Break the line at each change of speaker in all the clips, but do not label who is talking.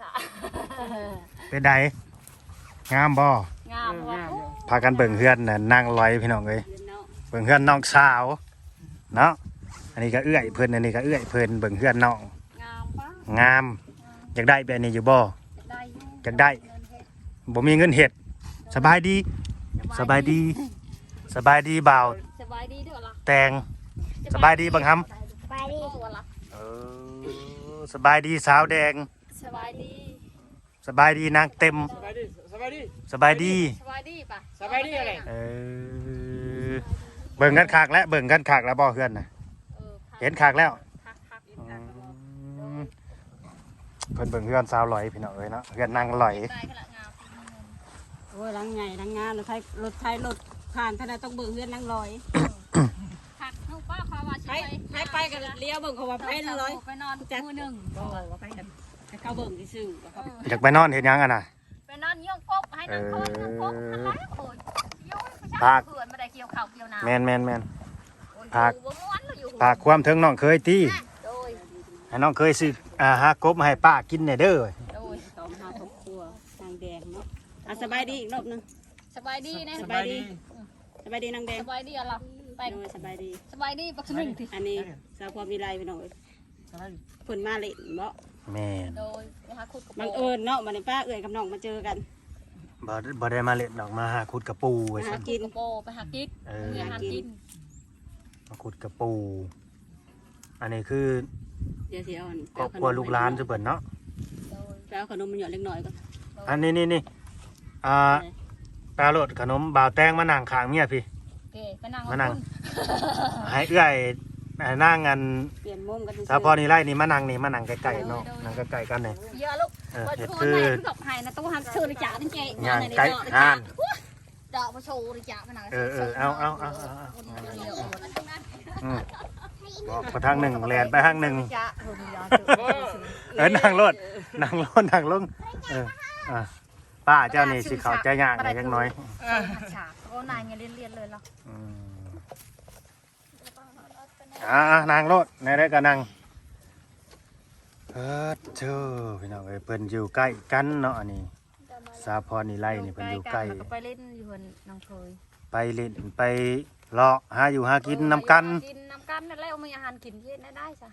ค่ะ
เป็นไดงามบ่
งามว่ะ
พากันเบิ่งเฮือนน่ะนั่งลอยพี่น้องเอ้ยเบิ่งเฮือนน้องสาวเนาะอันนี้ก็เอื้อยเพิ่นอันนี้ก็เอื้อยเพิ่นเบิ่งเฮือนน้อง
งามปะ
งามอยากได้แบบนี้อยู่บ่
ได้
อยากได้บ่มีเงินเฮ็ดสบายดีสบายดีสบายดีบ่าว
สบายดีด้วยล่ะ
แตงสบายดีบังคำ
สบายดีตัวล่ะ
สบายดีสาวแดง
สบายดี
สบายดีนางเต็ม
สบายดีสบายดี
สบายดี
สบายดีปะ
สบายดีอะไร
เบิ่งกันขากแล้วเบิ่งกันขากแล้วบ่เพื่อนน่ะเห็นขากแล้ว
คัก
เพิ่นเบิ่งเพื่อนสาวลอยพี่น้องเอ้ยเนาะเพื่อนนางลอย
ได้ขนาดงาม
โอ้ยลังใหญ่ลังงานรถไทยรถผ่านท่านใดต้องเบิ่งเฮือนนั่งลอย
คักน้องป้าความว่า
ไปกันเลี้ยวเบิ่งเขาว่าไปนั่งลอย
ไปนอนมือหนึ่ง
บ่ว่าไปกันให้เขาเบิ่งซื่อๆว่าเขา
อยากไปนอนเฮ็ดหยังอ่ะน่ะ
ไปนอนย่องกบให้นางคนนางกบทำไรโอ้ยย่องไม่ใช่
ภาค
เขื่อนไม่ได้เกี่ยวเข่าเกี่ยวน้ำ
แม่น ภาค
อยู่บนม้วนอยู่
ฝากความถึงน้องเคยตี
โดย
ให้น้องเคยซื้อหากบมาให้ป้ากินแหน่เด้อ
โดย
ต้องหาครอบครัวนางแดงเนาะสบายดีอีกรอบนึง
สบายดีนะ
สบายดีสบายดีนางแดง
สบายดีอะไรไป
โดยสบายดี
สบายดีปักสมิงที
อันนี้สาวความมีไรพี่น้องเพิ่นมาเล่นบ่
แม่น
โดยไปหาขุดกระ
บัง
โป
เอิญเนาะบัดนี้ป้าเอื้อยกับน้องมาเจอกัน
บ่ได้มาเล่นดอกมาหาขุดกระปูไว้
หา
ซั่น
กิน
กระโปไปหากิ๊กมีอาหารกิน
มาขุดกระปูอันนี้คือ
เดี๋ยวสิเอา
ครอบครัวลูกหลานซุเพิ่นเนาะ
โดย
ไปเอาขนมมันหยอดเล็กน้อยก่อน
อันนี้นี่ปลาโลดขนมบ่าวแตงมานั่งข้างเมียพี่
เก๋ไปนั่ง
มานั่ง ให้เอื้อยนั่งกัน
เปลี่ยนมุมกัน
สาวพอนี่ไล่นี่มานั่งนี่มานั่งใกล้ๆเนาะนั่งใกล้ๆกันเนี่ย
เยอะลูก
เห็ด
คื
คือ อ
ดอกไผ่นะตู้หันชื่อในจ่าตั้งใจ
ย่างไก่ห่าน
ดอกมาโชว์ในจ่ามาหนัง
เอาบอกไปทางหนึ่งแลนไปทางหนึ่ง
จ่า
นั่งรถนั่งลงป้าเจ้านี่สิเขาใจยากหน่อยจังน้อย
ฉากโอ้นายเงี้ยเรียนเลยหรอ
นั่งรถในได้ก็นั่งเจ้าพี่น้องเพิ่นอยู่ใกล้กันเนาะอันนี้สาวพรนี่ไล่นี่เพิ่นอยู่ใกล้
ไปเล่นอยู่น้องเคย
ไปเล่นไปเลาะหาอยู่หากินนำกัน
กินน้ำกันนั่นแล้วมีอาหารกินเย็นได้จ้ะ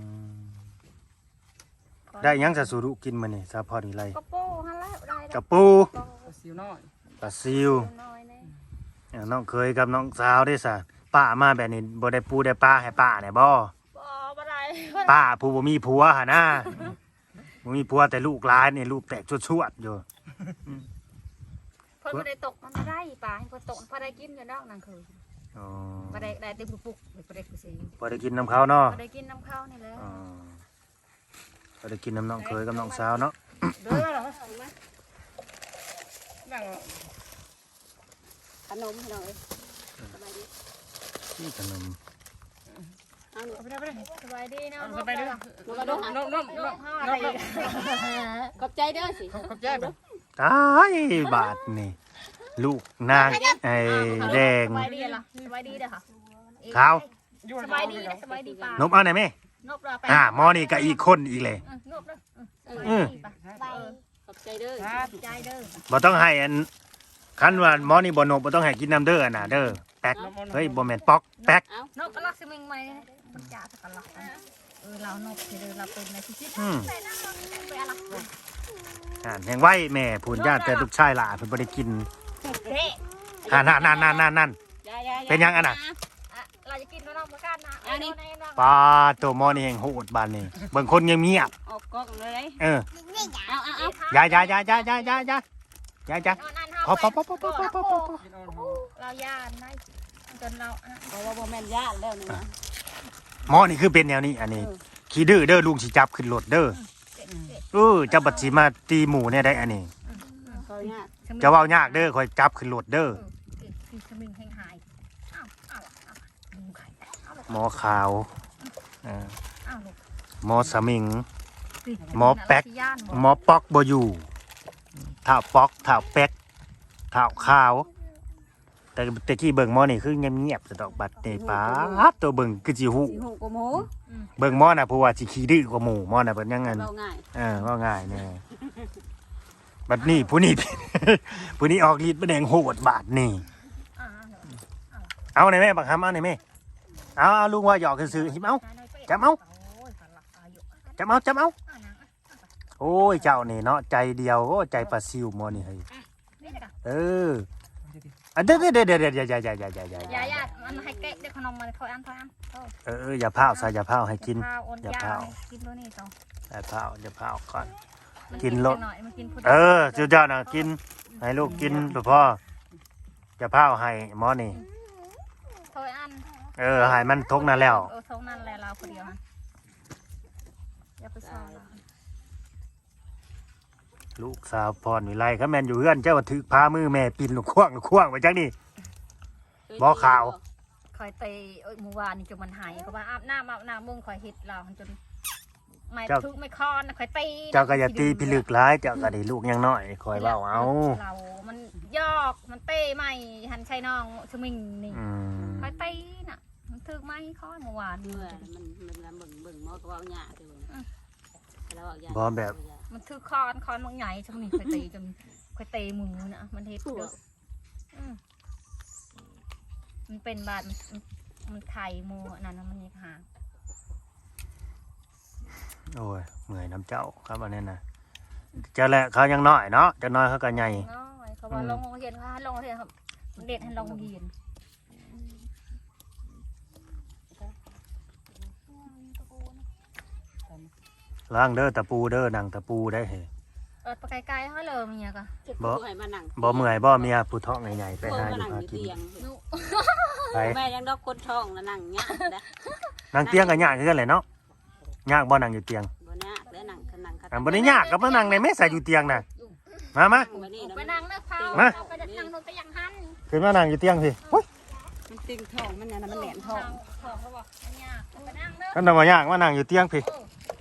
ได้หยังจะสูรุกินมานี่สาวพรนี่ไล่
กระโป้ฮันแล้วได้
กระปู
สิวน้อย
ปลาซิว
น้อยเนี่ย
น้องเคยกับน้องสาวได้ซะป้ามาแบบนี้บ่ได้ปูได้ปลาให้ป้าเนี่ยบ่
บ่ได้
ป้าผู้บ่มีผัวหั่นนะบ่มีผัวแต่ลูกหลานนี่ลูกแตกชวดๆอยู่
เพิ่นบ่ได้ตกมันได้ปลาให้เพิ่นตกพอได้กินอยู่นอกนางเคย
อ๋อ
บ่ได้เต็มปุกบ่ได้กูสิ
บ่ได้กินน้ำเขาเนาะ
บ่ได้กินน้ำข้าวนี่แหละ
อ๋อบ่ได้กินน้ำน้องเคยกับน้องสาวเนาะ
เด้อเหรอนั่ง
ขนมให้หน่อยสบายดี
นี่ขนม
เอาหนู
ไปได้ไปได้
สบายดีเนาะ
สบายดี
ลูกกระดก
น้อง
ขอบใจเด้อสิ
ขอบใจบ่
ตายบาทนี่ ลูกนางไอ้แดง
สบายดีเหรอสบายดีเด้อค่ะ
ขาว
สบายดีสบายดีปลาน
บเอาหน่อยแม่
นบเราไป
หมอนี่ก็อีกคนอีกเลย
นบเด้อ
ขอบใจเด้อ
ใจเด้อ
บ่ต้องให้อันคันว่าหมอนี่บ่นบบ่ต้องให้กินน้ำเด้อน่ะเด้อแป๊กเฮ้ยบ่แม่นป๊อกแป๊ก
นบก็รักสิมึงไหมมันจ่าสักกันละเรานบที่เราเป็นในที่
อืม
ไปอะไร
แห่งไว้แม่พูนญาติแต่ลูกชายหล่ะเพิ่นบ่ได้กิน
เฮ้
นั่นเป็นหยังอันน่ะ
เราจะกินน้องมากันนะ
ปลาตัวหมอนี่แห่งโหดบานนี่เบิ่งคนเงียบ
ออกกล้องเลย
ๆเออ
เอา
อย่าพอ
เราย่านได้จนเรา
บอกว่าบ่แม่นญาติแล้วนี่นะ
หมอนี่คือเป็นแนวนี้อันนี้ขี้ดื้อเด้อลุงสิจับขึ้นรถเด้อจะบัดสิมาตีหมูเนี่ยได้อันนี้
เขาญาติ
จะเว้ายากเด้อคอยจับขึ้นรถเด้อ
คือสมิงหายอ้าว
หมอขาวหมอสมิง หมอป๊อกบ่อยู่เท้าป๊อกเท้าแป๊กเท้าขาวแต่กี้เบิ่งหมอนี่คือเงียบๆสะดอกบัดนี่ป๊าบตัวเบิ่งคือสิฮู้
สิหูกว่าหมู
เบิ่งหมอน่ะเพราะว่าสิขี้ดื้อกว่าหมู่หมอน่ะเพิ่นยังงั้น
เบาง่าย
ว่าง่ายแน่บัดนี้ผู้นี้ ผู้นี้ออกฤทธิ์บ่แดงโหดบาดนี่
อ่า
เอาหน่อยแม่บักคำเอาหน่อยแม่เอาลุงว่าหยอกซื่อๆหิมเอาจับเอาโอ้ยเจ้านี่เนาะใจเดียวโอ้ใจปลาซิวหมอนี่เฮ้ยเอออันเดี๋ยว
อย่ามันให้เกะเดี๋ยวขนมมันถอยอัน
อย่าพาวใส่อย่าพาวให้กินอย่าพาว
กินตัวนี้ต่อ
อย่าพาวก่อนกินรส
เออ
เจ้าน่ะกินให้ลูกกินพ่ออย่าพาวให้หมอนี่
ถอยอัน
ให้มันทกนั่นแล้ว
ทงนั่นแหละเราคนเดียวฮะอย่าไปซ้อม
ลูกสาวพรวิไลเขาแม่นอยู่เฮือนเจ้าว่าถือพามือแม่ปินลูกข่วงไว้จังนี่บ่ข่าว
คอยเตะเมื่อวานนี่จนมันหายเขาว่าอาบน้ำมึงคอยเห็ดเราจนไม่ทุกไม่คอนคอยตี
เจ้าก็อย่าตีพิลึกร้ายเจ้าก็ได้ลูกยังน้อยคอยเว้าเอา
เรามันยอกมันเต้ไม่หันชัยน้องชมิงนี่คอยตีน่ะมันถึกไม่คอนเมื่อวาน
เมื่อมันเบิ่งหมอก็ว่าหญ้าคือแล้วว่าหญ้า
บ่แบบ
มันถือคอนมันใหญ่ชมิงคอยตีจนคอยตีมือน่ะมันเห็ดเด้อมันเป็นบาดมันไข่มือนั่นนะมันยังหา
โอ้ยเมื่อยน้ำเจ้าครับอันนี้นะเจ้าแหละเขายังน้อยเนาะจะน้อยเขาก็ใหญ่
น้อยเขาว่าลงเรียนค่ะลงเรียนครับเด็ดให้ลงเรียน
ล้างเด้อตะปูเด้อหนังตะปูได้เฮ้
ไปไกลๆเขาเลยมีอะก็
บ่เมื่อยบ่เมียผู้ท้องใหญ่ๆไปหาอยู่หากินไป
แม่ยังดอกคนท้องแล้วนั่งหญ้านะ
นั่งเตียงก็ยากคือกันแหละเนาะยากบ่นั่งอยู่เตียง
บ่ยากแล้วนั่งคัน
บ่ได้ยากก็มานั่งในแม่ใส่อยู่เตียงน่ะมา
ไปนั่งเลิกเผาไปนั่งนอนไปยังหัน
ขึ้นมานั่งอยู่เตียงสิโอ้ย
มันติ่งท้องมันเนี่ยมันแหลมท้อง
ของเขาบอกมันยากไปนั่งเลิก
กันบ่ยากมานั่งอยู่เตียงพี่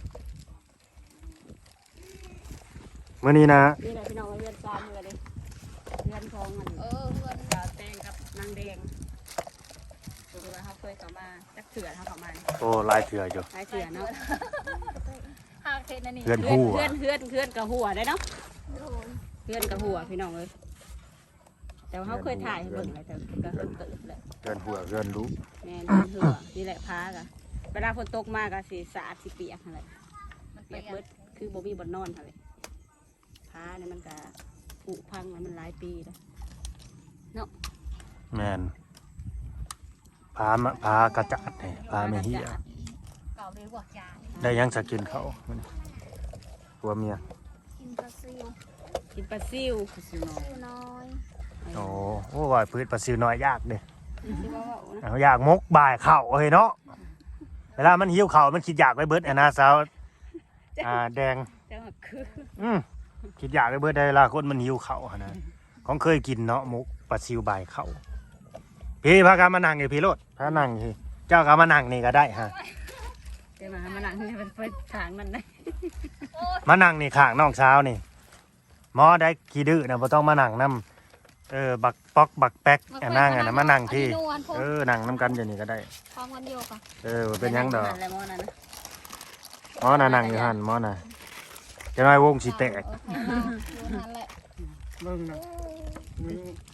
มื้อนี้นะ
นี่แหละพี่น้องเรือนซ้ำเลยเรือนทองมัน
เพื่อน
ดาวแดงกับนางแดงดูว่าเขาเคยเข้ามาจักเถื่อเขาเข้ามา
โอ้ลายเถื่ออยู่
หลายเถื่อเนาะ
หากเทนนี่
เพื่อนคู่
เพื่อนกับหัวได้เนาะเพื่อนกับหัวพี่น้องเลยแต่ว่าเขาเคยถ่ายให้เบิ่งอะไรแต่ก็เพิ่งเกิดเลย
เพื่อนหัวเพื่อนรู้
แม่เพื่อนหัวนี่แหละพากะเวลาฝนตกมากะสีสาดสีเปียกอะไร
มัน
เปี
เปี
ย
ย
ก
ก
เบิดคือบ่มีบ่นอนอะไรพาเนี่ยมันกะผุพังแล้วมันหลายปีแล้ว
แม่นพากระจัดนี่พาไม่เหี้ย
เก่าเลยบอกยา
ได้ยังสกินเขาหัวเมีย
กินปลาซิว
กินปลาซิวปลาซิวน้อย
ซิวน้อย
โอ้ว่าพื้นปลาซิวน้อยยากเด้
ที่ว่านะ
เอาอยากมกบ่ายเข่าเฮ้ยเนาะเวลามันหิวเข่ามันคิดอยากไปเบิดนะสาวแดง
แต่ว่าคือ
คิดอยากไปเบิดได้เวลาคนมันหิวเข่าหั่นนะของเคยกินเนาะมกปลาซิวบ่ายเข่าพี่พากันมานั่งอยู่พี่โลดพานั่งพี่เจ้าก็มานั่งนี่ก็ได้ฮะ
เดี๋ยวมานั่งนี่มันไปทางมันได้
มานั่งนี่ข้างน้องสาวนี่หมอได้ขี้ดื้อนะบ่ต้องมานั่งนำบักป๊อกบักแป๊กนั่งนะมานั่งที่นั่งนำกันอยู่นี่ก็ได้
พร้อมกันเดียวกัน
เป็นยังดอก
อะไรมอนั่นนะ
หมอน่ะนั่งอยู่หั่นหมอน่ะจะน้อยวงสิแตก
นั่นแหละ
เบิ่งนะนี่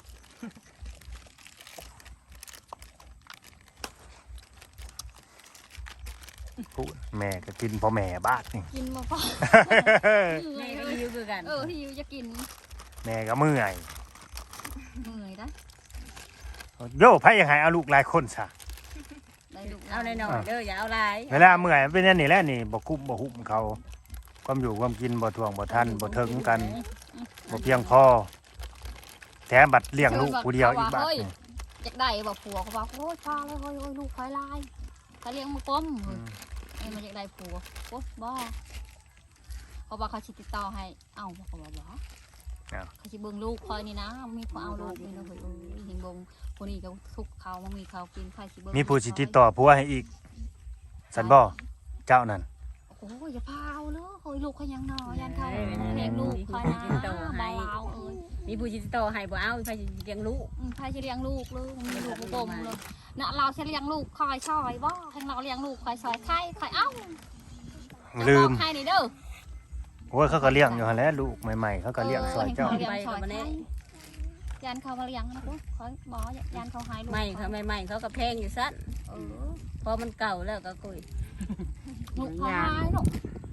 พูดแม่ก็กินพ่อแม่บ้านนี่
กินมาพอ
แม่ก็ยิ้วคือกัน
ที่ยูจะกิน
แม่ก็เมื่อย
เหนื่อยนะ
โย่ไผยังให้เอาลูกหลายคนซะ
เอาหน่อยๆเด้ออย่าเอาหลาย
เวลาเมื่อยมันเป็นอันนี้แหละนี่บ่คุ้มบ่หุ้มเขาความอยู่ความกินบ่ท่วงบ่ทันบ่ถึงกันบ่เพียงพอแถมบัดเลี้ยงลูกผู้เดียวอีกบัดนี่
อยากได้บอกผัวเขาบอกโอ้ยพาเลยโอ้ยลูกคอยลายเขาเลี้ยงมือก้มไอ้มันอยากได้ผัวโอ้บ่เขาบอกเขาชิติดต่อให้เอ้าเขาบอกเขาชิเบิ่งลูกคอยนี่นะมีผู้เอาลูกนี่นะเฮ้ยเห็นบงคนนี้ก็ทุกเขามันมีเขากินใครชิเบิ่ง
มีผู้สิติดต่อผัวให้อีกสันบ่เจ้านั่น
โอ้ยอย่าพาเอาเลยโอ้ยลูกเขายังน้อยยันเขาเลี้ยงลูกคอยนะเบาเอาเอ้ย
มีผู้จิตโตให้บ่เอาไปเลี้ยงลูก
ใครจะเลี้ยงลูกเลยมีลูกกลมเลยน่ะเราจะเลี้ยงลูกคอยซอยบ่ให้เราเลี้ยงลูกคอยซอยใครเอ้า
ลืม
ใครนี่เด้อ
โอ้ยเขาก็เลี้ยงอยู่หั่นแหละลูกใหม่ๆเขาก็เลี้ยงซอยเจ้า
เลี้ยงซอยใช่ยันเขามาเลี้ยงนะกูขอบอกยันเขาหายลูก
ใหม่เขาใหม่ๆเขาก็แพงอยู่สั้น
เออ
พอมันเก่าแล้วก็กุย
ลูกเขาหายลูก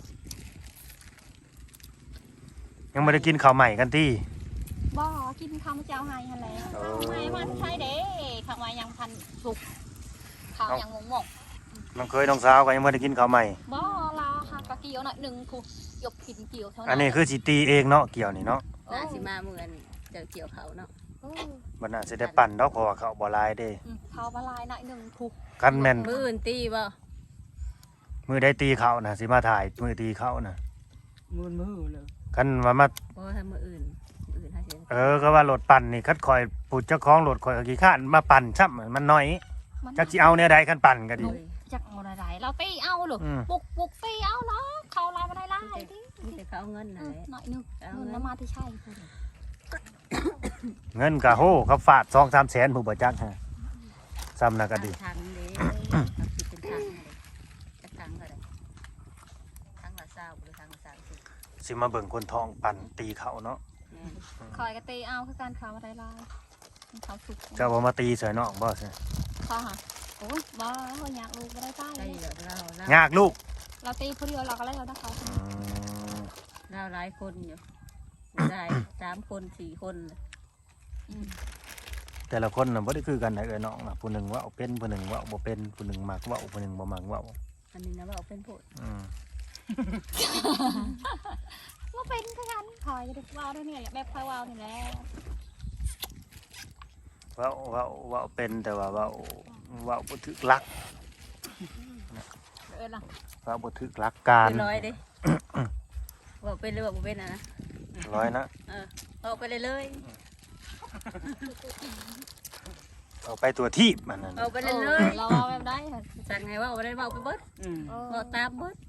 ยังไม่ได้กินข้าวใหม่กันที่
บ่กินข้าวเจ้าหายหั่นแหละไม่มาใช่เด้ข้าวมายังพันสุกข้าวยังงง
น้องเคยน้องสาวก็ยังไม่ได้กินข้าวใหม่
บ่ลาค่ะกะเกี่ยวหน่อยหนึ่งกูยกกินเกี่ยวเท่านั้น
อันนี้คือสิตีเองเนาะเกี่ยวนี่เนาะ
น่าสิมาเหมือนเจอเกี่ยวเขาเนาะ
บ่น่าสิได้ปั่นดอกเพราะว่าเขาบ่หลายเด้
ข้าวบะลายหน่อยหนึ่งกู
กันแม่น
มืออื่นตีบ่
มือได้ตีเขาน่ะสิมาถ่ายมือตีเขาน่ะ
มือเลย
กันว่ามา
เพราะว่าถ้ามืออื่นถ้าเสีย
ก็ว่ารถปั่นนี่คัดคอยผู้เจ้าของรถคอยก็ขี้ข้านมาปั่นซ้ำมันน้อยจักสิเอาแนวใดคันปั่นก็ดี
จักเอาอะไรเราตีเอาหรอปุกตีเอาเนาะข้าวลายมาได้ลายที่
มีแต่เขาเอาเงินนั่นแหละ
หน่อยนึงเงินมาที่ใช่
เงินก็โหเขาฝาด 2-3 แสนผู้บ่จักฮะซ้ำน่ะก็ดี
ทางนี้เขาคิดเป็นทางเลยจะทางก็ได้ทางละเศร้าหรือทางละ30
สิมาเบิ่งคนท้องปั่นตีเขาเนาะ
คอยกะตีเอาคือการข้าวมาได้ลายข้าวสุก
เจ้าบ่มาตีใส่น้องบ่ใช่
ข้าวหาโอ้ยบ่เราอยากลูกไม่ได้ใต้
ได้เยอะเรา
ยากลูก
เราตีผู้เดียวเราก็ได้เราได้เขา
เราหลายคนอยู่ได้3 คน4 คน
แต่ละคนน่ะบ่ได้คือกันนะเอ้ยน้องน่ะผู้หนึงเว้าเป็นผู้หนึงเว้าบ่เป็นผู้หนึงมักเว้าผู้หนึงบ่มักเว้า
อันนี้นะว่าเอาเป็นโพด
ก็เป็นคือกันคอยจะว้าวด้วยเนี่ยแบบคอยว้าวนี่แหละ
เว้าเป็นแต่ว่าเว้าบ่ถึกหลัก
ล่ะ
เว้าบ่ถึกหลักการ
เป็นร้อยดิบอกเป็นหรือบอกเป็นนะ
ร้อยนะ
บอกไปเลยเลย
เอาไปตัวที่มันนั่น
เอาไปเลยเลย
เราเอาแบบได้ค่ะ
สั่งไงว่าเอาไปได้บอกไปเบิดบอกตามเบิด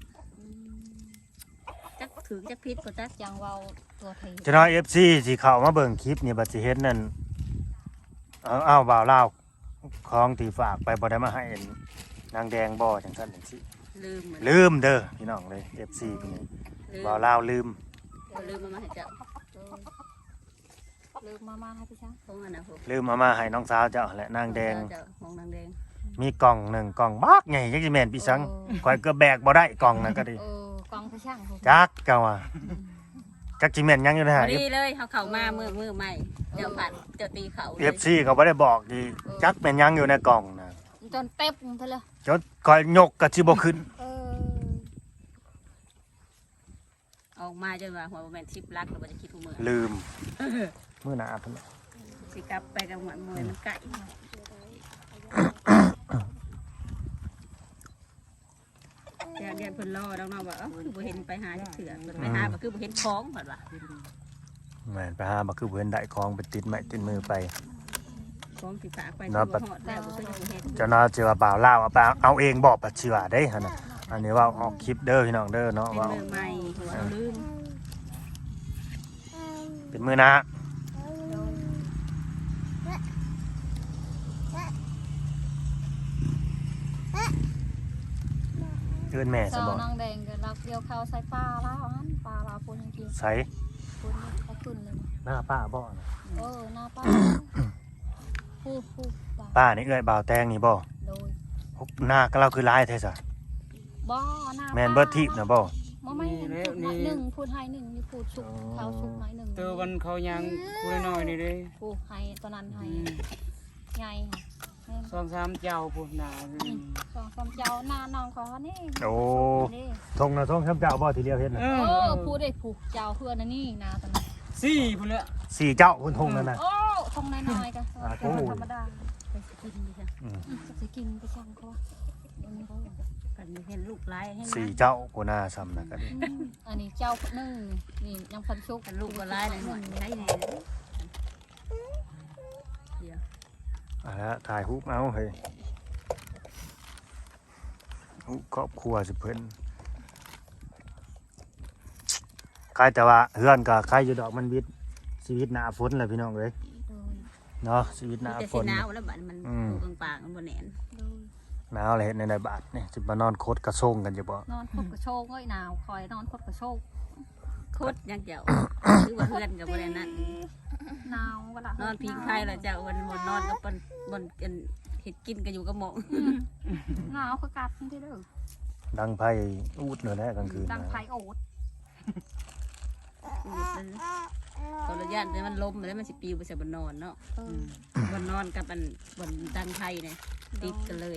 จักถือจักพิษก็จัก
จังว้าวตัวที
จะน้อย FC สิเข้ามาเบิ่งคลิปนี่บัดสิเฮ็ดนั่นเอาบ่าวลาวของที่ฝากไปบ่ได้มาให้นางแดงบ่จังซั่นจังซี่
ลืมเหมือน
ลืมเด้อพี่น้องเลย FC พี่นี่บ่าวลาวลืม
ลืมมาให้เจ้า
ลืมมาให้พี่ช้าง
พงอันนะผม
ลืมเอามาให้น้องสาวเจ้าและนางแดง
เจ้าของนางแดง
มีกล่องหนึ่งกล่องบักใหญ่จักสิแม่นพี่สังข่อยก็แบกบ่ได้กล่องนั่นก็ดี
กองพี่ช้าง
จักเจ้าว่าจักสิแม่นยังอยู่นะ
พ
ฮะ
อดีเลยเขาเข่ามามือใหม่เจ้าผัดเจ้าตีเข่า
FC เขาบ่ได้บอกดีจักแม่นยังอยู่ในกล่องน่ะ
จนเต็มไปเลย
จนข่อยยกก็สิบ่ขึ้น
ออกมาจนว่าหัวแมนชิปรักหรือว่าจะคิดหัวมือ
ลืมมื้อหน้าเพิ่น
สิกลับไปกับหมวดมวยมันไก่เดี๋ยวเพิ่นรอน้องๆว่าคือบ่เห็นไปหาจักเถื่อไปหาก็คือบ่เห็นของเหมือนว่า
แม่นไปหาบ่คือเพิ่นได้ของไปติดไม้ติดมือไป
ของสิฝากไปคือบ่ฮอดแล้วบ่เคยจะเห็น
เจ้าน้าสิว่าบ่าวลาวเอาเองบ่ปัดเชื่อได้หั่นน่ะอันนี้ว่าออกคลิปเด้อพี่น้องเด้อเนาะ
เป็น
ว่า
มือใหม่หัวลืม
เป็นมื้อหน้าเอิ้นแม่ซะ
สาว
บ่
นางแดงกับเราเกี่ยวข้าวใส่ปลาแล้วอันปลาเราปูยังกิน
ใส่
ปูเขาขึ้นเลย
หน้าป้าบ่น่ะ
หน้าป้าพูด
ป้านี่เอ้ยบ่าวแตงนี่บ่
โดย
หน้าก็เราคือลายแท้ซะ
บ่หน้า
แม่นเบิดทิพย์นะบ่
ไม่พูดหน่อยหนึ่งพูดให้หนึ่งนี่พูดชุกข้าวชุกหน่อยหนึ่ง
เตอวันเขายังคุยน้อยนี่เด้
พูดให้ตอนนั้นให้ไงค่ะ
2-3เจ้าพุ่นน่ะ
สองสามเจ้าหน้าน้องเขานี่
โอ้ทงนะทงคำเจ้าบ่ที่เรียวเฮ็ดน่ะ
พูดได้ผูกเจ้าเพื่อนนี่นาตอนนั้น
4พุ่นละ
สี่เจ้าคุณทงนั่นน่ะ
โอ้ทงน้อยๆกันธรรมดา
ไปกินดิจ้ะ
จะกินไปช่างเขา
กันเห็นลูกหลายให้
สี่เจ้ากูน่าซ้ำนะก็ดี
อันนี้เจ้าหนึ่งนี่ยังพันชุก
กันลูกก็หลายเลยหน่อยใช้แน่เดี๋ยว
อ่ะแล้วถ่ายรูปเอาเฮ้ยรูปครอบครัวสิเพิ่นใครแต่ว่าเฮือนก็ใครอยู่ดอกมันวิทย์ชีวิตหน้าฝนแหละพี่น้องเอ้ยเนาะชีวิตหน้า
แต่
ฝ
สี
น
หนาวแล้วบัดมันตัวปางๆมันบ่แน่น
หนาวเลยเฮ็ดในบาทนี่สิมานอนโคตรกระโซงกันอยู่บ่
นอนคดกระโชกก็หนาวคอยนอนคดกระโชก
คุดยังเจ้าคือว่าเพื่อนกับบ่ได้นั่น
หนาวเวลาน
อนพิงไพ่ละเจ้าวันบนนอนกับบนกันเห็ดกินกันอยู่กับหมอง
หนาวคือกัดที่เด้อ
ดังไพ่อูดเลยนะกลางคืน
ดัง
นะ
ไผ่โอ๊ต
ตอนระยะนี้มันล้มแล้วมันสิปิวไปใส่บนนอนเนาะบนนอนกับอันบนดังไพ่เนี่ยติดกันเลย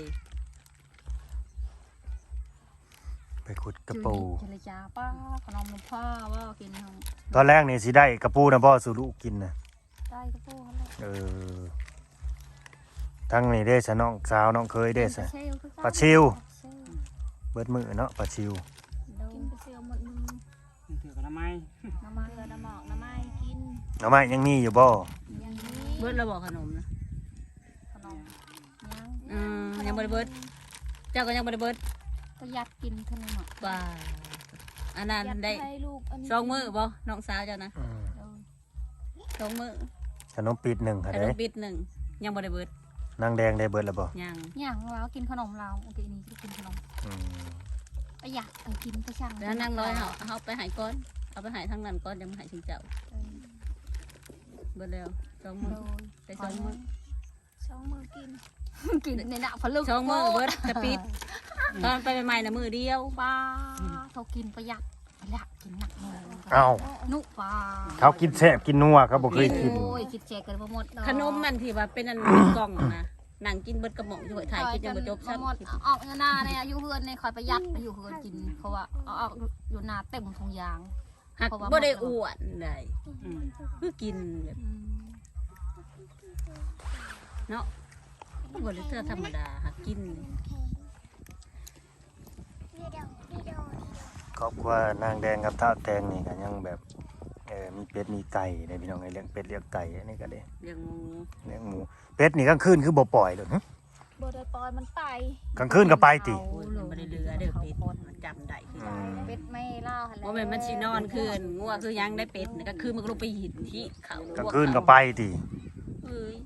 ไปขุดกระปู
เจรจาป้าขนมนมผ้าว่ากินของ
ตอนแรกนี่สิได้กระปูนะพ่อสู่ลูกกินนะ
ได้ก็พูดเขาเลย
เออทั้งนี่ได้สะน้องสาวน้องเคยได้สะปลาชิวเบิดมือเนาะปลาชิว
กินไปเซียวหมดมือ
ถือกันทำไม
น้ำมันน้ำหมอกน้ำไม้กิน
หน่อไม้ยังมีอยู่บ่
อย่างนี้
เบิร์ดเราบอกขนมนะ
ขนมยัง
ยังบริเบิร์ดเจ้าก็ยังบริเบิร์ด
ประหยัดกินเท่านั้นเนาะ
บ้าอันนั้นได้
ให้ลูกอันนี้
2 มื้อบ่น้องสาวเจ้านะ
อืม
2 มื้อ
ขนมปีดหนึ่งค่ะ
ขน
เด้
มปิด1ยังบริเบิร์ด
นางแดงได้เบิดแล้วบ่
ยัง
อย่างเรากินขนมเราโอเคนี่กินขนม
อืม
ประหยัดกินไปช่าง
แล้วนั่งร้อยเอาไปหายก้อนเอาไปหายทั้งนั้นก้อนยังไม่หายถึงเจ้าเบิร์ดแล้ว2 มื้อได้2 มื้อ
2 มื้อกิน กินในหน้าพะลึก
2 มื้อเบิร์ดกระปิดตอนไปใหม่ๆนะมื้อเดียว
ปลาเขากินประหยัดกินหนักเลย
เอ้า
นุปลา
เขากินแซ่บกินนัวเขาบ่เคยกิน
โอ้ยคิดแจกกันบ่หมด
ขนมมันที่ว่าเป็นอันกล่องนะนั่งกินเบิดกระหม่อมอยู่ถ่ายคลิปยังบ่จบ
บ่หมด
ซ้ำ
ออกหน้าเนี่ยอยู่เฮือนเนี่ยคอยประหยัดไปอยู่เฮือนกินเพราะว่าเอาออกอยู่หน้าเต็มถุงยาง
หักบ่ได้อ้วนได้
อืม
คือกินแบบเนาะบ่ได้เทื่อธรรมดาหักกิน
ครอบครัวนางแดงกับท้าวแตงนี่ก็ยังแบบมีเป็ดมีไก่ได้พี่น้องไอ้เลี้ยงเป็ดเลี้ยงไก่อันนี้ก็ได้
เลี้ยงหมู
เลี้ยงหมูเป็ดนี่กลางคืนคือบ่ปล่อยเลยหึ
บ่ได้ปล่อยมันไป
กลางคืนก็ไปติ
โอ้ยมันบ่ได้เหลือเด้อเป็ดมันจำได้คือ
อืม
เป็ดไม่เล่าหั่นแหละ
บ่แม่นมันสินอนคืนงัวคือยังได้เป็ดก็คือมันก็ลงไปหินที่เขา
กลางคืนก็ไปติ
เอ้ย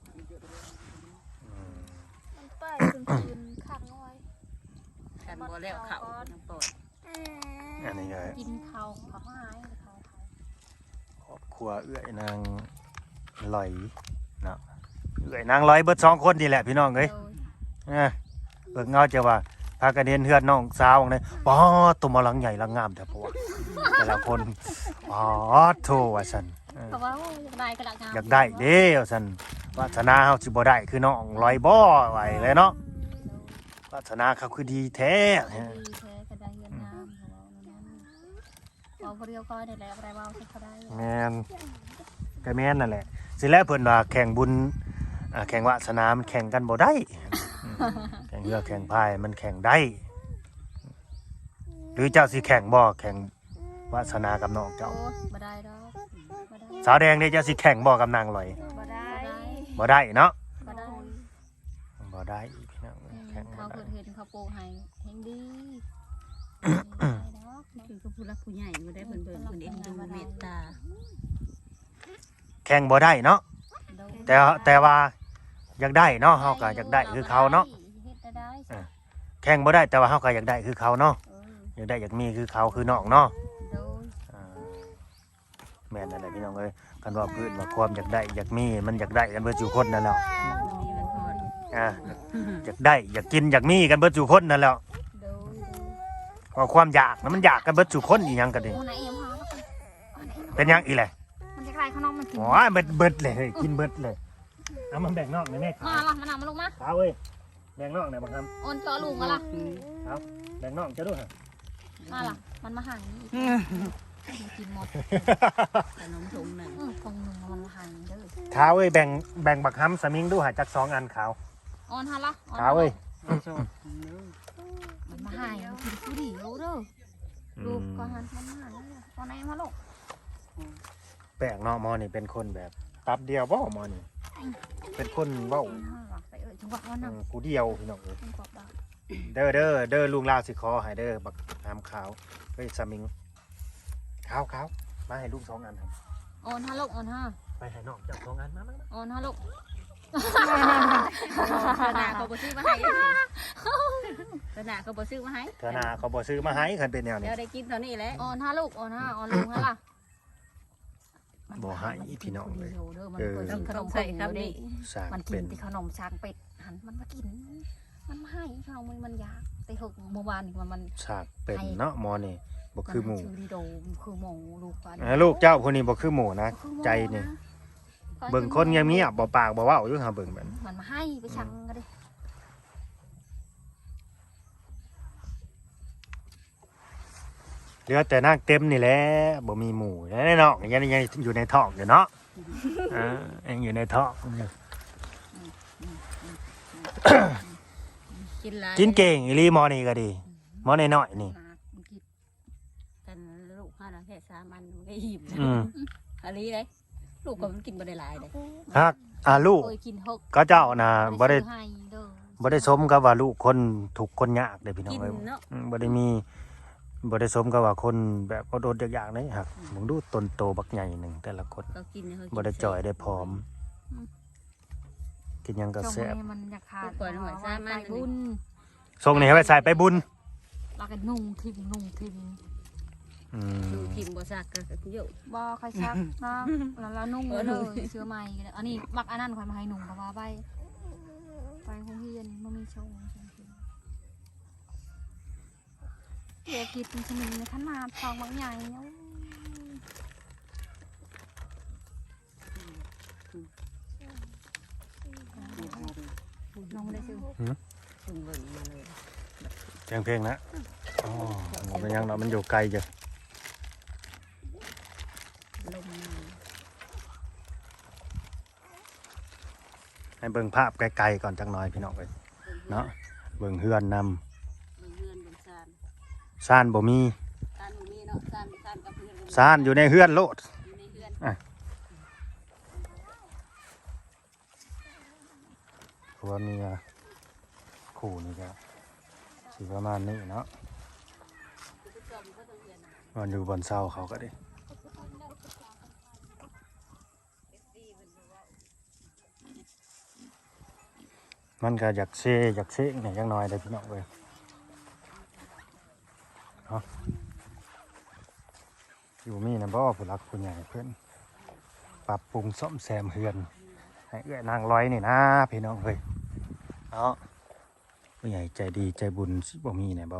มันไปกลางคืนข้างน้อย
กันบ่แล้วเขาน้ำปอด
อันนี้ก็
กินข้าวเขาหายเขา
ครอบครัวเอื้อยนางลอยเนาะเอื้อยนางลอยเบิด2คนนี่แหละพี่น้องเอ้ยเบิ่งเงาจะว่าพากันเห็นเฮือนน้องสาวนี่ป๊อดตัวมาหลังใหญ่หลังงามแต่พวกแต่ละคนป๊อดโทว่าซั่น
เขาว่าโอ้ยอยากได้กระดาษงาม
อยากได้เด้ว่าซั่นวาสนาเฮาสิบ่ได้คือน้องลอยบ่ไหวเลยเนาะวาสนาเขาคือดีแท้
ดีแท้กระดาษเงินงามเขาว่านั่นเอาเรียวก้อยได้แล้วอะไรว่าเขาได้
แม่นก็แม่นนั่นแหละสิแล้วเพิ่นว่าแข่งบุญแข่งวาสนามันแข่งกันบ่ได้แข่งเรือแข่งพายมันแข่งได้ หรือเจ้าสิแข่งบ่แข่งวาสนากับน้องเจ้า
โอ้ยบ่ได้ดอกบ่ได้
สาวแดงนี่เจ้าสิแข่งบ่กับนางลอย
บ่ได้
บ่ได้เนาะ
บ่ได้
บ่ได้พี่น้องแข่งบ่
เขา
ได้
เกิดเห็นเขาปลูกให้เฮงดีได้ดอก
คือก็ผู้รักผู้ใหญ่บ่ได้เพิ่นเบิ่งเพิ่นเอ็นดูเมตตา
แข่งบ่ได้เนาะแต่ว่าอยากได้เนาะเฮาก็อยากได้คือเขาเนาะ
เฮ็ดได้สิ
แข่งบ่ได้แต่ว่าเฮาก็อยากได้คือเขาเนาะ
เออ
อยากได้อยากมีคือเขาคือน้องเนาะ
โดย
อ่าแม่นนั่นแหละพี่น้องเอ้ยกันว่าพื้นว่าความอยากได้อยากมีมันอยากได้กันเบิดอยู่คนนั่นแหล้ว
มันมีมันพอด
อยากได้อยากกินอยากมีกันเบิดอยู่คนนั่นแหล้ว
โดย
ว่าความอยากมันอยากกันเบิดอยู่คนอีหยังกันดิ
โอ้ไหนเอ็มหาแล้วกัน
เป็นหยังอีแหละ
มันจะคลายข้างนอกมันกิน
โอ้ยเบิดเลยเฮ้ยกินเบิดเลยเอามันแบ่งนอกหน่อยแม่
มาล่ะมันเอามาลงมา
ขาวเว้ยแบ่งนอกหน่อยบังคับ
โอนเจาะลูกมาล่ะ
แบ่งนอกจะด้วยฮะ
มาล่ะมันมาห่างนี่มันกินหมด
ขนมถุงหนึ่ง
คงหนึ่งมันมาห่างเด้อ
ขาวเว้ยแบ่งบักฮัมสมิงดูหาจัก2 อันขาว
โอนฮะล่ะ
ขาวเว้ย
โซ่
มันมาห่างมันกินผู้ดีเอาเด้อลูกก็หันมันมาห่างแล้วตอนไหนมาลูก
แปลกเนาะหมอนี่เป็นคนแบบตับเดียวบ่หมอนี่เป็นคนเว้า
ไปจังหวะวันนั้น
ผู้เดียวพี่น้องเอ้ย
จังหวะบ้า
เด้อลุงลาวสิขอให้เด้อบักน้ำขาวเฮ้ยสมิงขาวมาให้ลูก2 อันครับ
โอนฮะลูกโอนฮะ
ไปให้น้องเจ้า2 อันมา
โอนฮะลูก
หน้าเขาบ่ซื้อมาให้หน้าเขาบ่ซื้อมาให้
เธอหน้าเขาบ่ซื้อมาให้คันเป็นแนวนี้
เดี๋ยวได้กินเท่านี้แหละ
อ่อนห้าลูกอ่อนห้าอ่อนลุงฮะล่ะ
บ่ให้พี่น้องเลย
มันเปิด
ต้อง
ขนม
ใส่
ใส่
คำนี้
สร้าง
มันกิ
เป็น น
ที่ขนมช้างเป็ดหันมันมากิน มันมาให้ขนมมันยากแต่หกเมื่อวานนี่มัน
สร้างเป็นเนาะหมอนี่บ่คือหมู
ชื่อดีโดคือหมูลูกปลา
ลูกเจ้าคนนี้บ่คือหมูนะใจนี่เบิ่งคนเงียบๆบ่ปากบ่เว้าอยู่หาเบิ่งแบบ
มันมาให้ไปชังก็ได้
เหลือแต่นางเต็มนี่แหละบ่มีหมูแล้วในนอกยังอยู่ในท้องอยู่เนาะยังอยู่ในท้องอยู่
กินหลาย
กินเก่งอีหลีหมอนี่ก็ดีหมอน้อยๆนี่
กันลูกห้าแค่3อันมันก็อิ่ม
อืม
อันนี้เลยลูกก็มันกินบ่ได้หลายเลย
ฮักลูก
เคยกินหก
ก็เจ้าน่ะบ่ได้
ให้เด้อ
บ่ได้สมกับว่าลูกคนทุกข์คนยากเด้อพี่น้อง
กิน
เอ้ย
เนาะ
บ่ได้มีบ่ได้สมกับว่าคนแบบอดๆอยากๆเลยฮักมึงดูต้นโตบักใหญ่หนึงแต่ละคน
เขากินเขากิน
บ่ได้จ่อยได้ผอม กินหยังก็
จง
แซ่บ
ให้มันอยากขาด
ปล่อยหน่อยซ่ามัน
ไปบุญ
ส่งนี่ให้ไปใส่ไปบุญ
แล้วก็นุ่งทิมนุ่งทิม
อื
ดู
ม
กินบ่ซักก็เยอะ
บ่ค่อยซักนะแล้วนุ่งเลยเสื้อใหม่อันนี้มักอันนั้นค่อยมาให้นุ่งก็ว่าไปโรงเรียนบ่มีชงเด็กกินเป็นชนิดในขนาดทองบางใหญ่น้องไม่ได้ซื้อ
ถึงเบิ่งมาเลย
เพลงนะอ๋อมันเป็นหยังเนาะมันอยู่ไกลจ้ะ
ลม
ให้เบิ่งภาพไกลๆก่อนจักหน่อยพี่น้องเอ้ยเนาะเบิ่งเฮือนนำ
เฮือนบนซาน
ซ่านบ่มี
ซานมีเนาะซานกับเฮือน
ซ่านอยู่ในเฮือนโลด
อยู่ในเฮือน
เพราะว่ามีคู่นี่ก็สิประมาณนี้เนาะมันอยู่บนเสาเขาก็ได้มันก็อยากเซ่เนี่ยจักหน่อยได้พี่น้องเว้ยเนาะอยู่มีนะบ่ผู้หลักผู้ใหญ่เพิ่นปรับปรุงซ่อมแซมเฮือนให้เอื้อนางร้อยนี่นะพี่น้องเฮ้ยเนาะผู้ใหญ่ใจดีใจบุญสิบ่มีเนี่ยบ่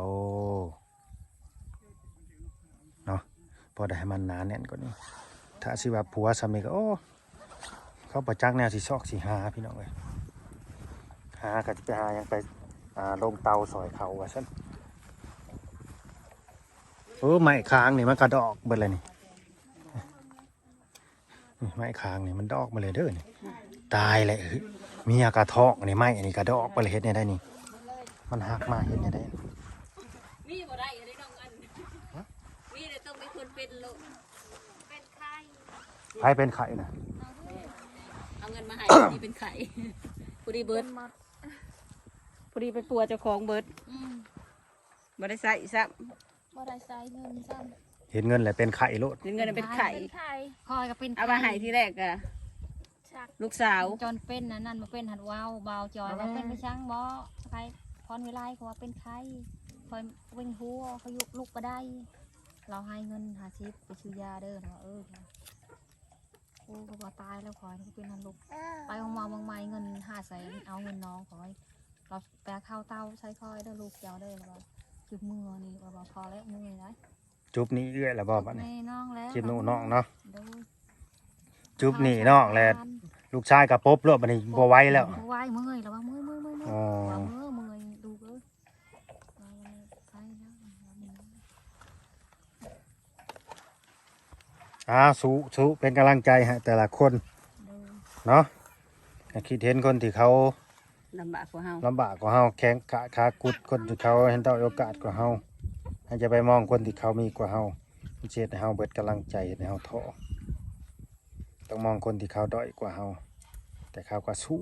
เนาะพอได้ให้มันหนาแน่นกว่านี้ถ้าสิว่าผัวสามีก็โอ้เขาประจักแนวสิซอกสิหาพี่น้องเอ้ยหาก็จะไปหายังไปลงเตาซอยเขาว่าซั่นโอ้ไม้ค้างนี่มันก็ดอกเบิดเลยนี่ไม้ค้างนี่มันดอกมาเลยเด้อนี่ตายเลยเมียกระทอกนี่ไม้อันนี้กระดอกไปเลยเฮ็ดเนี่ยได้นี่มันหักมาเฮ็ดเนี่ยได้
มีบ่ได้ได้น้องอันมีแต่ต้องเป็นคนเป็นลูกเป็นไข่
ใครเป็นไข่นะ
เอาเงินมาให้นี่เป็นไข่ผู้ดีเบิร์ดผู้ดีไปปัวเจ้าของเบิร์ดบ่ได้ใส่ซ้
บ่ได้ใส่เงินซ้
เห็นเงินแหละเป็นไข่โลด
ำเงินเป็นไข่
ำคอยก็เป็น
เอามาให้ที่แรกอะลูกสาว
จนเป็นนั่นมาเป็นหัดว้าวเบาจอยว่าเป็นไปช่างบ่ใครพรวิไลเขาว่าเป็นใครคอยเป็นหัวเขายุกลุกมาได้ เราให้เงิน50ไปซื้อยาเด้อนะโอ้เขาบอกตายแล้วคอยเป็นหันลุกไปของมาบางไม้เงิน500,000เอาเงินน้องคอยเราแปลข้าวเต้าใช้คอยเด้อลูกเจ้าเด้อแล้วจุบมือนี่ว่าพอแล้วมือนะ
จุบนี่เอื้อยแล้วบ่บัดนี้
แม่น้องแล้ว
จิบหนูน้องเนาะ
ดู
จุบนี่น้องแล้วลูกชายกับปบโลดบัดนี้บ่ไหวแล้ว
ไหวเมื่อยแล้วว่าเมื่อย
อ๋อ
ว่าเมื่อยดูเอ้ยใช่แล้ว
สู้เป็นกำลังใจให้แต่ละคนเนาะก็คิดเห็นคนที่เขา
ลำบากกว่าเฮา
ลำบากกว่าเฮาแข็งขากุดคนที่เขาเห็นได้โอกาสกว่าเฮาให้จะไปมองคนที่เขามีกว่าเฮาเฮ็ดให้เฮาเบิดกำลังใจเฮ็ดให้เฮาท้อต้องมองคนที่เขาด้อยกว่าเฮาแต่เขาก็สู้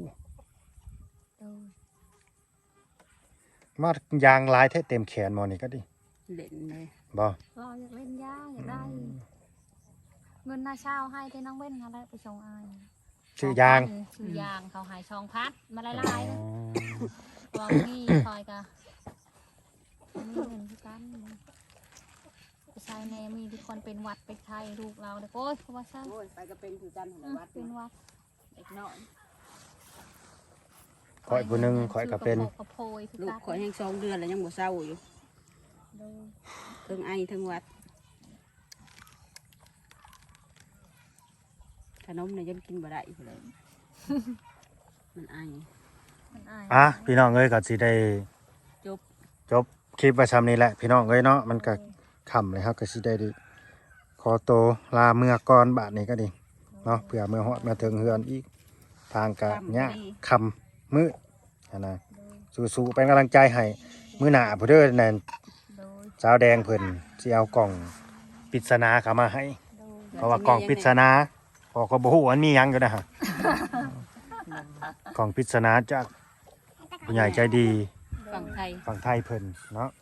มายางลายแท้เต็มแขนหมอนี่ก็ดิ
เล่นเลย
บ่
เราอยากเล่นยาอยากได้ เงินหน้าเช่าให้ที่น้องเว้นอะไรไปส่งอาย
โชชื่อยาง
ชื่อยางเขาหายช่องพัดมาลายๆนะลองนี่คอยกะมีเงินที่กันไปใช้แน่มีทุกคนเป็นวัดไปไทยลูกเราเด็กโอ้ยเขาว่าซะ
โอ้ยไปก็เป็นคือกันหัววัด
เป็นวัด
เด็กน้อย
ข่อยผู้หนึงข่อยก็เป็น
กระโพยคือ
ลูก
กัน
ข่อยยัง2 เดือนแล้วยังบ่เศร้าอยู่
โดย
เทิงไอเทิงหวัดขนมเนี่ยยังกินบ่ได้อยู่เลยมันไอ
มันอาย
อ่ะพี่น้องเอ้ยก็สิได้
จบ
จบคลิปไว้ซ้ำนี้แหละพี่น้องเอ้ยเนาะมันก็ค่ำเลยครับก็สิได้ดิขอโตวลาเมื่อก่อนบาทนี้ก็ดีเนาะเพื่อเมื่อฮอดมาถึงเฮือนอีกทางกะยะค่ำมืดนะสู้ๆเป็นกำลังใจให้มื้อหน้าผู้เด้อนั่น
โดย
สาวแดงเพิ่นสิเอากล่องปริศนาเข้ามาให้
โดย
เพราะว่ากล่องปริศนาพอก็บ่ฮู้ว่ามันมีหยังอยู่นะฮะกล่องปริศนาจากผู้ใหญ่ใจดี
ฝั่งไทย
ฝั่งไทยเพิ่นเนาะ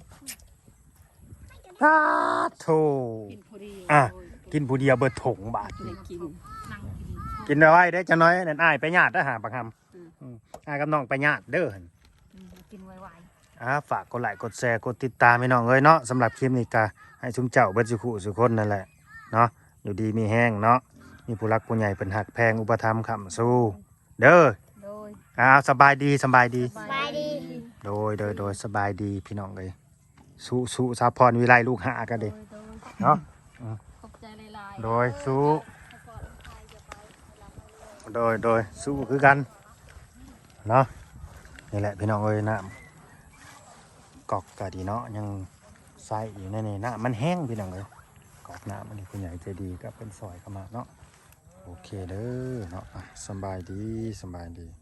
สาธุ
กินพอดี
อ่ะ กินผู้เดียวเบิดถงบาท
ได้กิน
นั่งกิน
กินเอาไว้ได้อจะน้อยนั่นอ้ายไปญาติเด้อหาบักหำ
อืม
อ้ายกับน้องไปญาติเด้อหั่น
กินไว
ฝากกดไลค์กดแชร์กดติดตามให้น้องเอ้ยเนาะสำหรับคลิปนี้ก็ให้ชุมเจ้าเบิดสุขุสุคนนั่นแหละเนาะอยู่ดีมีแห้งเนาะมีผู้รักผู้ใหญ่เป็นหักแพงอุปถัมภ์ค้ำสู้เด้อ
ๆโดย
สบายดีสบายดี
สบายดี
โดยสบายดีพี่น้องเลยสู้สาพรวิไลลูกหากัน
โด
เด้
ย
เนาะ
ขอบใจหลายๆ
โดยสู้โดยสู้คือกันเนาะนี่แหละพี่น้องเอ้ยน้ำกอกกะดีเนาะยังใส่อยู่ในนี่น้ำมันแห้งพี่น้องเลยกอกน้ำมันนี่คุณใหญ่ใจดีก็เป็นซอยเข้ามาเนาะโอเคเด้อเนาะสบายดี